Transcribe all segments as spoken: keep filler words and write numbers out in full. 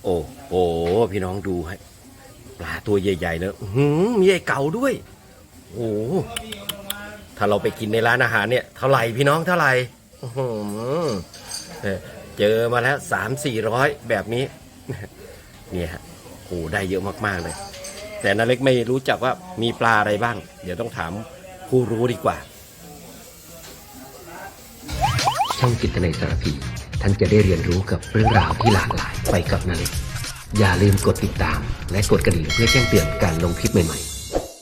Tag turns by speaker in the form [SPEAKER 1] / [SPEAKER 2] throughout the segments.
[SPEAKER 1] โอ้โหพี่น้องดูให้ปลาตัวใหญ่ๆเลยหืมมีไอ้เก๋าด้วยโอ้ถ้าเราไปกินในร้านอาหารเนี่ยเท่าไหร่พี่น้องเท่าไหร่เจอมาแล้วสามสี่ร้อยแบบนี้เนี่ยฮะโอ้ได้เยอะมากๆเลยแต่นาเล็กไม่รู้จักว่ามีปลาอะไรบ้างเดี๋ยวต้องถามผู้รู้ดีกว่า
[SPEAKER 2] ช่องจิตในสารพีท่านจะได้เรียนรู้กับเรื่องราวที่หลากหลายไปกับนาเล็กอย่าลืมกดติดตามและกดกระดิ่งเพื่อแจ้งเตือนการลงคลิปใหม่ๆ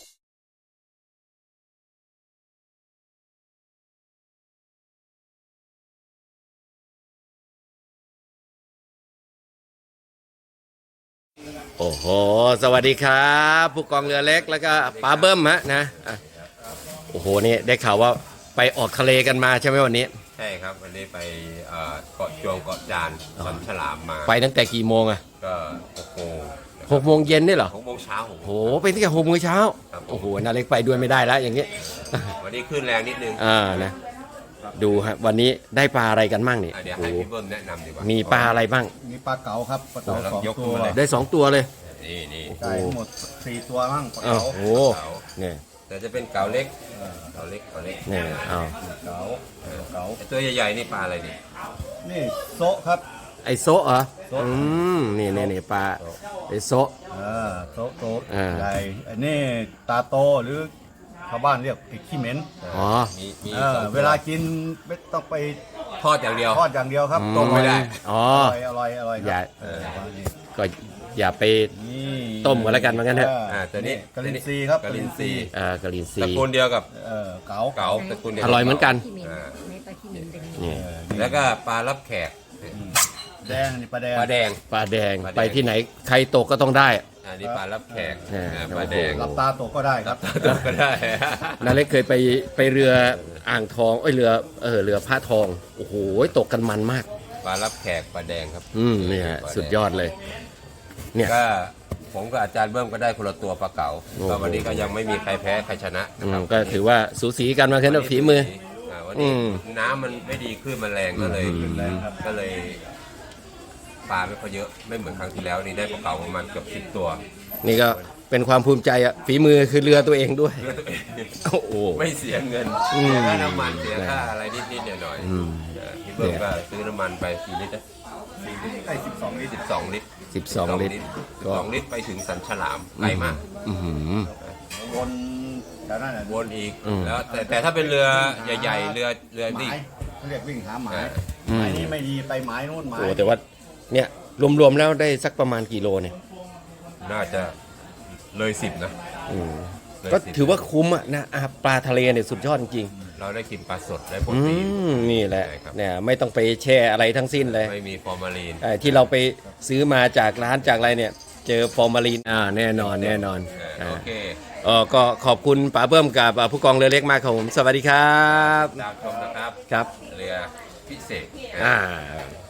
[SPEAKER 1] โอ้โหสวัสดีครับผู้กองเรือเล็กแล้วก็ป้าเบิ้มฮะนะโอ้โหนี่ได้ข่าวว่าไปออกทะเลกันมาใช่ไหมวันนี้
[SPEAKER 3] ใช่ครับวันนี้ไปเกาะจวงเกาะจานสันฉลามมา
[SPEAKER 1] ไปตั้งแต่กี่โมงอะ
[SPEAKER 3] ก็หกโมง
[SPEAKER 1] หกโมงเย็นนี่เหรอ
[SPEAKER 3] หกโมงเช้า
[SPEAKER 1] โอ้โหไปตั้งแต่หกโมงเช้าโอ้โหนาเล็กไปด้วยไม่ได้แล้วอย่างนี้
[SPEAKER 3] วันนี้ขึ้นแรงนิดนึง
[SPEAKER 1] อ่านะดูฮะวันนี้ได้ปลาอะไรกันบ้างนี่
[SPEAKER 3] เดี๋ยวให้พี่เบิ้มแนะนำดีกว่า
[SPEAKER 1] มีปลาอะไรบ้าง
[SPEAKER 4] มีปลาเก๋าครับปลาเก๋าสองตัว
[SPEAKER 1] ได้สองตัวเลย
[SPEAKER 3] นี่นี่
[SPEAKER 4] ได้ทั้งหมดสี่ตัวมั่งปลาเก๋า
[SPEAKER 1] โอ้โหเนี่ย
[SPEAKER 3] แต่จะเป็นเก๋าเล็กเก๋าเล็กเก๋าเล็ก
[SPEAKER 1] เนี่ยเอา
[SPEAKER 4] เก๋าเก๋า
[SPEAKER 3] ตัวใหญ่ๆนี่ปลาอะไรนี่
[SPEAKER 4] นี่โซะครับ
[SPEAKER 1] ไอโซะเหรออืมนี่นี่นี่ปลาไอโซะ
[SPEAKER 4] อ่าโซะโซะใหญ่อันนี้ตาโตหรือชาวบ้านเรียกไอ้ขี้เหม็น
[SPEAKER 1] อ๋อ
[SPEAKER 3] มีมี
[SPEAKER 4] เวลากินไม่ต้องไป
[SPEAKER 3] ทอดอย่างเดียว
[SPEAKER 4] ทอดอย่างเดียวครับ
[SPEAKER 1] ต้มไม่ได้อ๋อ
[SPEAKER 4] อร่อยอร่อย
[SPEAKER 1] อย่าก็อย่าไปต้มกันแล้วกันเหมือนกันเถอะ
[SPEAKER 3] อ่าตัวนี้
[SPEAKER 4] กะลินซีครับ
[SPEAKER 3] กะลินซี
[SPEAKER 1] อ่ากะลินซี
[SPEAKER 3] ตระกูลเดียวกับ
[SPEAKER 4] เก๋า
[SPEAKER 3] เก๋าตระกูลเดียว
[SPEAKER 1] อร่อยเหมือนกัน
[SPEAKER 3] นี่แล้วก็ปลารับแขก
[SPEAKER 4] แดงนี่ปลาแดง
[SPEAKER 3] ปลาแดง
[SPEAKER 1] ปลาแดงไปที่ไหนใครตกก็ต้องได้
[SPEAKER 3] อันนี้ปลารับแขกปลาแดง
[SPEAKER 4] รับตาตกก็ได้ครับ
[SPEAKER 3] ตกก็ได้
[SPEAKER 1] นาเล็กเคยไปไปเรืออ่างทองเอ้ยเรือเออเรือพระทองโอ้โหตกกันมันมาก
[SPEAKER 3] ปลารับแขกปลาแดงครับ
[SPEAKER 1] อืมนี่ฮะสุดยอดเลยเนี่ย
[SPEAKER 3] ก็ผมกับอาจารย์เบิ้มก็ได้คนละตัวปลาเก๋าก็วันนี้ก็ยังไม่มีใครแพ้ใครชนะนะครับ
[SPEAKER 1] ก็ถือว่าสูสีกันมาแค่นั้นฝีมือ
[SPEAKER 3] วันนี้น้ำมันไม่ดีขึ้นมันแรงก็เลยก็เลยปลาไม่ค่อยเยอะไม่เหมือนครั้งที่แล้วนี่ได้ปลาเก๋าประมาณเกือบสิบตัว
[SPEAKER 1] นี่ก็เป็นความภูมิใจอ่ะฝีมือคือเรือตัวเองด้วยโอ้โห
[SPEAKER 3] ไม่เสียเงินเสียค่าน้ำมันเสียค่าอะไรนิดๆหน่อยๆพี่เบิ้มก็ซื้อน้ำมันไปกี่ลิตรนะ
[SPEAKER 4] ได้สิบสองลิตร
[SPEAKER 3] สิบสองลิตร
[SPEAKER 1] สิบสองลิตร
[SPEAKER 3] สองลิตรไปถึงสันฉลามไกลมาก
[SPEAKER 4] วนแล้วนั่น
[SPEAKER 3] วนอีกแล้วแต่แต่ถ้าเป็นเรือใหญ่ๆเรือเรือนี่
[SPEAKER 4] เขาเรียกวิ่งหาหมายหมายนี้ไม่ดีไปหมายโน่นหมาย
[SPEAKER 1] โอ้แต่ว่าเนี่ยรวมๆแล้วได้สักประมาณกี่โลเนี่ย
[SPEAKER 3] น่าจะเลยสิบนะ
[SPEAKER 1] ก็ถือว่าคุ้มอ่ะนะปลาทะเลเนี่ยสุดยอดจริง
[SPEAKER 3] เราได้กินปลาสดได้โปรตีน
[SPEAKER 1] นี่แหละเนี่ยไม่ต้องไปแช่อะไรทั้งสิ้นเลย
[SPEAKER 3] ไม่มีฟอร์มาลีน
[SPEAKER 1] ที่เราไปซื้อมาจากร้านจากอะไรเนี่ยเจอฟอร์มาลีนอ่าแน่นอนแน่นอน
[SPEAKER 3] โอเค
[SPEAKER 1] เออก็ขอบคุณป๋าเบิ้มกับผู้กองเรือเล็กมากครับผมสวัสดีครับ
[SPEAKER 3] ตามชมนะครับ
[SPEAKER 1] ครับ
[SPEAKER 3] เรือพิเศษ
[SPEAKER 1] อ่า